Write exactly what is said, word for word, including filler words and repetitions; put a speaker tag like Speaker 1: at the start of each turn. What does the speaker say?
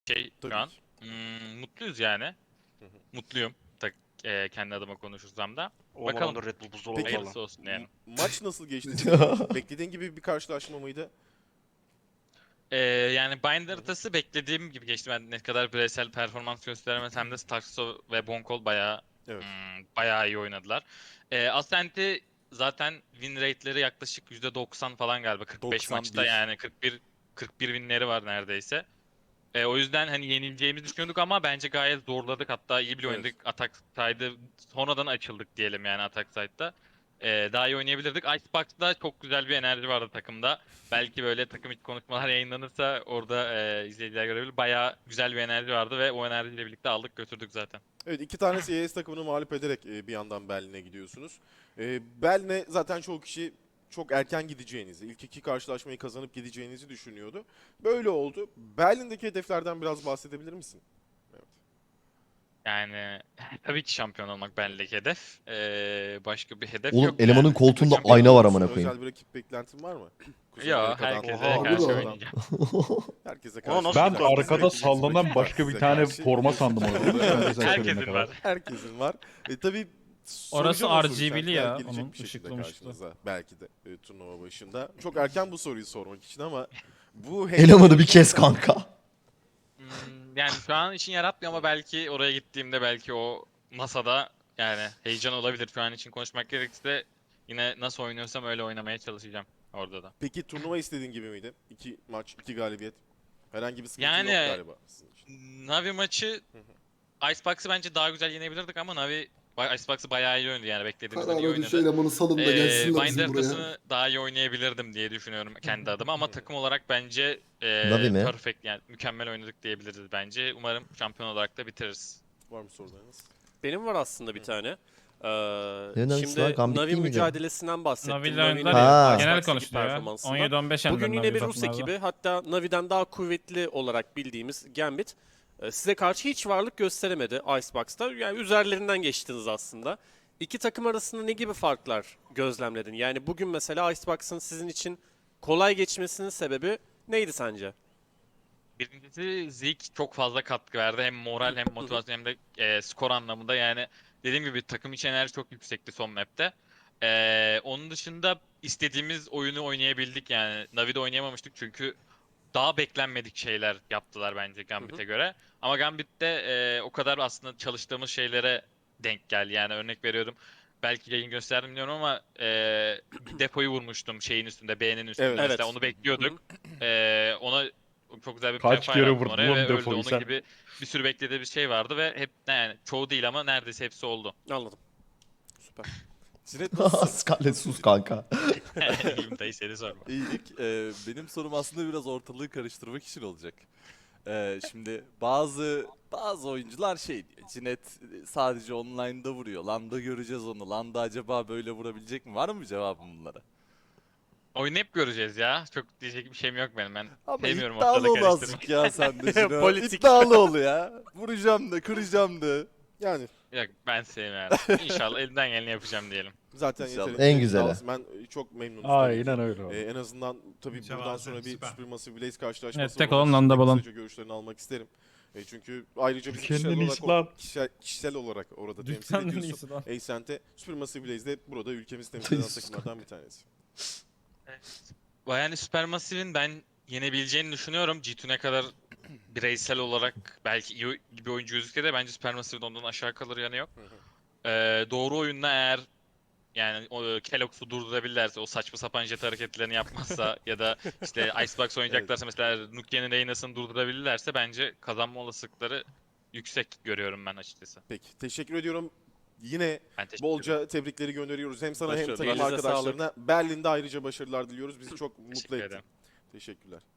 Speaker 1: şey
Speaker 2: Tabii
Speaker 1: şu an.
Speaker 2: ki.
Speaker 1: Hmm, mutluyuz yani.
Speaker 2: Hı hı.
Speaker 1: Mutluyum. Tak, e, kendi adıma konuşursam da.
Speaker 3: Olmadan
Speaker 1: Bakalım.
Speaker 3: da Red Bull buzdolabı
Speaker 2: Peki,
Speaker 3: falan.
Speaker 1: Hayırlısı olsun yani.
Speaker 2: M- maç nasıl geçti senin için? Beklediğin gibi bir karşılaşma mıydı?
Speaker 1: Ee, yani Binder haritası beklediğim gibi geçti. Ben ne kadar bireysel performans gösteremesem de Starkso ve Bonkol bayağı
Speaker 2: Evet.
Speaker 1: hmm, bayağı iyi oynadılar. Ee, Ascent'i zaten win rate'leri yaklaşık yüzde doksan falan galiba. kırk beş
Speaker 4: doksan
Speaker 1: maçta
Speaker 4: bir.
Speaker 1: yani kırk bir kırk bir winleri var neredeyse. Ee, o yüzden hani yenileceğimizi düşünüyorduk ama bence gayet zorladık. Hatta iyi bile
Speaker 2: Evet.
Speaker 1: oynadık. Atak side'ı sonradan açıldık diyelim yani atak side'da. Ee, daha iyi oynayabilirdik. Icebox'da çok güzel bir enerji vardı takımda. Belki böyle takım içi konuşmalar yayınlanırsa orada e, izleyiciler görebilir. Bayağı güzel bir enerji vardı ve o enerjiyle birlikte aldık götürdük zaten.
Speaker 2: Evet, iki tane C S takımını mağlup ederek e, bir yandan Berlin'e gidiyorsunuz. E, Berlin'e zaten çoğu kişi çok erken gideceğinizi, ilk iki karşılaşmayı kazanıp gideceğinizi düşünüyordu. Böyle oldu. Berlin'deki hedeflerden biraz bahsedebilir misin? Evet.
Speaker 1: Yani tabii ki şampiyon olmak benlik hedef. Ee, başka bir hedef
Speaker 5: Oğlum
Speaker 1: yok
Speaker 5: elemanın
Speaker 1: yani.
Speaker 5: koltuğunda
Speaker 1: Şampiyon-
Speaker 5: ayna var
Speaker 2: Musun?
Speaker 5: amına koyayım.
Speaker 2: Özel bir rakip beklentin var mı? Kuzey
Speaker 1: Yo,
Speaker 2: Amerika'dan,
Speaker 1: herkese
Speaker 2: Orta
Speaker 1: karşı
Speaker 2: Avrupa'dan,
Speaker 1: oynayacağım.
Speaker 2: herkese
Speaker 3: Ona
Speaker 2: karşı
Speaker 3: nasıl
Speaker 6: Ben
Speaker 2: oynayacaksınız.
Speaker 3: tutturdun?
Speaker 6: arkada
Speaker 2: Rakibiniz
Speaker 6: sallanan
Speaker 2: rakip var
Speaker 6: başka bir
Speaker 2: size
Speaker 6: tane
Speaker 2: karşı.
Speaker 6: forma sandım onu. Sen güzel söylediğine
Speaker 1: Herkesin
Speaker 6: kadar.
Speaker 1: var.
Speaker 2: Herkesin var. E, tabii
Speaker 7: Orası
Speaker 2: o soru.
Speaker 7: R G B'li
Speaker 2: Şartlar
Speaker 7: ya,
Speaker 2: gelecek
Speaker 7: onun
Speaker 2: bir şekilde
Speaker 7: ışıklı mışıklı.
Speaker 2: karşınıza. Belki de e, turnuva başında. Çok erken bu soruyu sormak için ama bu
Speaker 5: Elemanı bir kes kanka.
Speaker 1: Hmm, yani şu an için yaratmıyor ama belki oraya gittiğimde belki o masada yani heyecan olabilir. Şu an için konuşmak gerekirse yine nasıl oynuyorsam öyle oynamaya çalışacağım orada da.
Speaker 2: Peki turnuva istediğin gibi miydi? İki maç, iki galibiyet. Herhangi bir sıkıntı
Speaker 1: Yani-
Speaker 2: yok galiba sizin için.
Speaker 1: Navi maçı Icebox'ı bence daha güzel yenebilirdik ama Navi ba- Icebox'ı bayağı iyi oynadı yani beklediğimizden iyi
Speaker 8: Karara düş
Speaker 1: oynadı.
Speaker 8: elemanı salın da
Speaker 1: Ee,
Speaker 8: gelsinler
Speaker 1: Binder
Speaker 8: bizim buraya.
Speaker 1: haritasını daha iyi oynayabilirdim diye düşünüyorum kendi adıma ama takım olarak bence
Speaker 5: Navi
Speaker 1: e,
Speaker 5: mi?
Speaker 1: perfect yani mükemmel oynadık diyebiliriz bence. Umarım şampiyon olarak da bitiririz.
Speaker 2: Var mı sorularınız?
Speaker 9: Benim var aslında bir tane. Ee,
Speaker 5: Ne Navisi
Speaker 9: şimdi
Speaker 5: var? Gambit
Speaker 9: Navi
Speaker 5: değil miydi?
Speaker 9: mücadelesinden bahsettim.
Speaker 7: Navi ile
Speaker 9: Navi'nin
Speaker 7: oynadılar
Speaker 5: Ha.
Speaker 7: ya.
Speaker 9: Icebox'taki
Speaker 7: Genel konuşuluyor ya.
Speaker 9: performansından.
Speaker 7: on yedi on beş
Speaker 9: Bugün
Speaker 7: yendiler
Speaker 9: yine bir
Speaker 7: Navi
Speaker 9: Rus
Speaker 7: takımlarda.
Speaker 9: ekibi, hatta Navi'den daha kuvvetli olarak bildiğimiz Gambit e, size karşı hiç varlık gösteremedi Icebox'ta. Yani üzerlerinden geçtiniz aslında. İki takım arasında ne gibi farklar gözlemledin? Yani bugün mesela Icebox'ın sizin için kolay geçmesinin sebebi neydi sence?
Speaker 1: Birincisi Zeke çok fazla katkı verdi. Hem moral hem motivasyon hem de e, skor anlamında. Yani dediğim gibi takım içi enerji çok yüksekti son map'te. E, onun dışında istediğimiz oyunu oynayabildik yani. Navi'de oynayamamıştık çünkü daha beklenmedik şeyler yaptılar bence Gambit'e göre. Ama Gambit'te e, o kadar aslında çalıştığımız şeylere denk geldi. Yani örnek veriyorum. Belki yayın gösterdim bilmiyorum ama e, depoyu vurmuştum şeyin üstünde, B'nin üstünde.
Speaker 2: Evet.
Speaker 1: Mesela
Speaker 9: Evet.
Speaker 1: onu bekliyorduk. E, ona çok güzel bir
Speaker 6: Kaç
Speaker 1: prefire
Speaker 6: kere
Speaker 1: attım
Speaker 6: vurdun
Speaker 1: oraya
Speaker 6: oğlum
Speaker 1: ve öldü.
Speaker 6: depoyu
Speaker 1: Onun
Speaker 6: sen?
Speaker 1: gibi bir sürü beklediği bir şey vardı ve hep yani çoğu değil ama neredeyse hepsi oldu.
Speaker 9: Anladım. Süper.
Speaker 2: Cinet nasılsın?
Speaker 5: Scarlett sus kanka.
Speaker 1: İyiyim dayı seni sorma.
Speaker 4: İyilik. Ee, benim sorum aslında biraz ortalığı karıştırmak için olacak. Ee, şimdi bazı bazı oyuncular şey diyor. Cinet sadece online'da vuruyor. Landa göreceğiz onu. Landa acaba böyle vurabilecek mi? Var mı cevabım bunlara?
Speaker 1: Oyunu hep göreceğiz ya. Çok diyecek bir şeyim yok benim. Ben
Speaker 4: Ama
Speaker 1: sevmiyorum
Speaker 4: iddialı
Speaker 1: ortalığı
Speaker 4: ol
Speaker 1: karıştırmayı.
Speaker 4: azıcık ya sen de Cino.
Speaker 9: Politik.
Speaker 4: İddialı ol ya. Vuracağım da kıracağım da.
Speaker 2: Yani
Speaker 1: Yok ben sevmiyorum. İnşallah elimden geleni yapacağım diyelim.
Speaker 2: zaten
Speaker 4: İnşallah.
Speaker 2: yeterince
Speaker 5: En güzeli.
Speaker 2: iddialısın. Ben e, çok memnunum.
Speaker 6: Aynen öyle
Speaker 2: Ee,
Speaker 6: oldu.
Speaker 2: en azından tabii buradan
Speaker 10: Mütevazı,
Speaker 2: sonra bir
Speaker 10: süper.
Speaker 2: Supermassive Blaze karşılaşması
Speaker 7: Evet, tek
Speaker 2: var.
Speaker 7: olan
Speaker 2: Onun
Speaker 7: Landa
Speaker 2: için de
Speaker 7: Balon.
Speaker 2: kısaca görüşlerini almak isterim. E, çünkü ayrıca biz
Speaker 6: Ülkenin
Speaker 2: kişisel
Speaker 6: en
Speaker 2: olarak,
Speaker 6: iyisi lan.
Speaker 2: o- kişisel, kişisel olarak orada temsil
Speaker 7: Dünyanın en
Speaker 2: ediyorsun.
Speaker 7: iyisi lan.
Speaker 2: Ascent'e Supermassive Blaze de burada ülkemizi temsil eden takımlardan bir tanesi.
Speaker 1: Yani Supermassive'in ben yenebileceğini düşünüyorum. G iki ne kadar bireysel olarak belki iyi bir oyuncu gözükse de bence Supermassive'de ondan aşağı kalır yanı yok. Ee, doğru oyunla eğer yani o Kellogg'su durdurabilirlerse, o saçma sapan jet hareketlerini yapmazsa ya da işte Icebox oynayacaklarsa mesela Nukia'nın Reyna'sını durdurabilirlerse bence kazanma olasılıkları yüksek görüyorum ben açıkçası.
Speaker 2: Peki teşekkür ediyorum. Yine
Speaker 1: Ben teşekkür ederim.
Speaker 2: bolca tebrikleri gönderiyoruz. Hem sana hem
Speaker 4: Başarılar.
Speaker 2: takım
Speaker 9: Elinize
Speaker 2: arkadaşlarına. Berlin'de ayrıca başarılar diliyoruz. Bizi çok mutlu
Speaker 1: Teşekkür
Speaker 2: ettin.
Speaker 1: ederim.
Speaker 2: Teşekkürler.